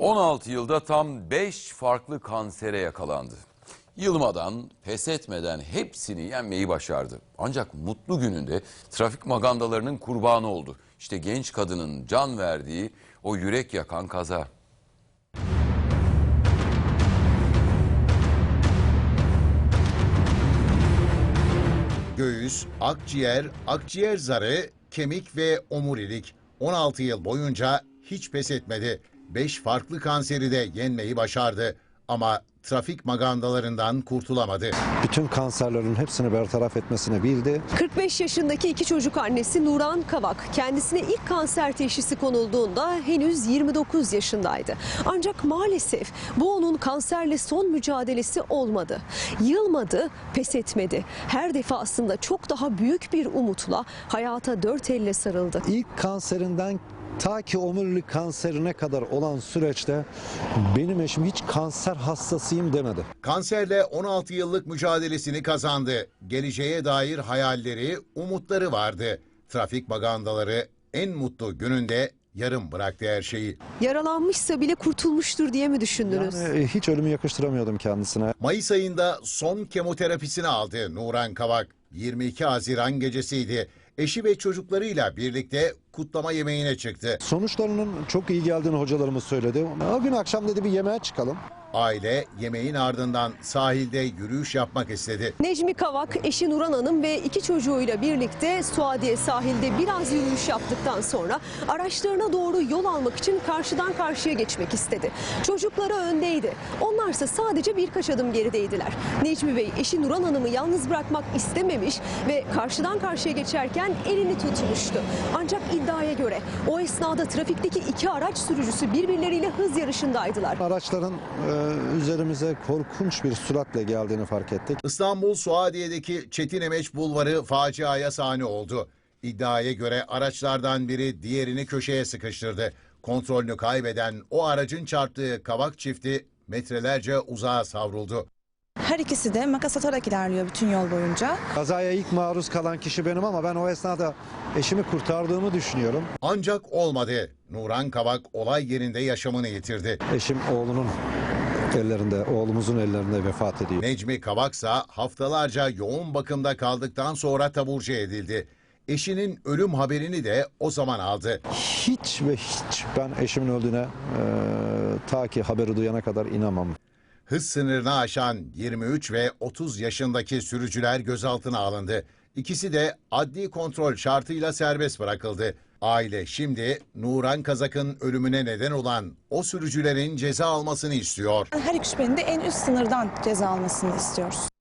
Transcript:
16 yılda tam 5 farklı kansere yakalandı. Yılmadan, pes etmeden hepsini yenmeyi başardı. Ancak mutlu gününde trafik magandalarının kurbanı oldu. İşte genç kadının can verdiği o yürek yakan kaza. Göğüs, akciğer, akciğer zarı, kemik ve omurilik 16 yıl boyunca hiç pes etmedi. 5 farklı kanseri de yenmeyi başardı ama trafik magandalarından kurtulamadı. Bütün kanserlerin hepsini bertaraf etmesini bildi. 45 yaşındaki iki çocuk annesi Nuran Kavak kendisine ilk kanser teşhisi konulduğunda henüz 29 yaşındaydı. Ancak maalesef bu onun kanserle son mücadelesi olmadı. Yılmadı, pes etmedi. Her defasında çok daha büyük bir umutla hayata dört elle sarıldı. İlk kanserinden ta ki omurilik kanserine kadar olan süreçte benim eşim hiç kanser hastasıyım demedi. Kanserle 16 yıllık mücadelesini kazandı. Geleceğe dair hayalleri, umutları vardı. Trafik magandaları en mutlu gününde yarım bıraktı her şeyi. Yaralanmışsa bile kurtulmuştur diye mi düşündünüz? Yani hiç ölümü yakıştıramıyordum kendisine. Mayıs ayında son kemoterapisini aldı Nuran Kavak. 22 Haziran gecesiydi. Eşi ve çocuklarıyla birlikte kutlama yemeğine çıktı. Sonuçlarının çok iyi geldiğini hocalarımız söyledi. O gün akşam dedi bir yemeğe çıkalım. Aile yemeğin ardından sahilde yürüyüş yapmak istedi. Necmi Kavak, eşi Nuran Hanım ve iki çocuğuyla birlikte Suadiye sahilde biraz yürüyüş yaptıktan sonra araçlarına doğru yol almak için karşıdan karşıya geçmek istedi. Çocukları öndeydi. Onlarsa sadece birkaç adım gerideydiler. Necmi Bey eşi Nuran Hanım'ı yalnız bırakmak istememiş ve karşıdan karşıya geçerken elini tutmuştu. Ancak iddiaya göre o esnada trafikteki iki araç sürücüsü birbirleriyle hız yarışındaydılar. Araçların üzerimize korkunç bir süratle geldiğini fark ettik. İstanbul Suadiye'deki Çetinemeç Bulvarı faciaya sahne oldu. İddiaya göre araçlardan biri diğerini köşeye sıkıştırdı. Kontrolünü kaybeden o aracın çarptığı Kavak çifti metrelerce uzağa savruldu. Her ikisi de makas atarak ilerliyor bütün yol boyunca. Kazaya ilk maruz kalan kişi benim ama ben o esnada eşimi kurtardığımı düşünüyorum. Ancak olmadı. Nuran Kavak olay yerinde yaşamını yitirdi. Eşim oğlumuzun ellerinde vefat ediyor. Necmi Kavaksa haftalarca yoğun bakımda kaldıktan sonra taburcu edildi. Eşinin ölüm haberini de o zaman aldı. Hiç ben eşimin öldüğüne ta ki haberi duyana kadar inanmam. Hız sınırını aşan 23 ve 30 yaşındaki sürücüler gözaltına alındı. İkisi de adli kontrol şartıyla serbest bırakıldı. Aile şimdi Nuran Kavak'ın ölümüne neden olan o sürücülerin ceza almasını istiyor. Her iki şüphelinin de en üst sınırdan ceza almasını istiyoruz.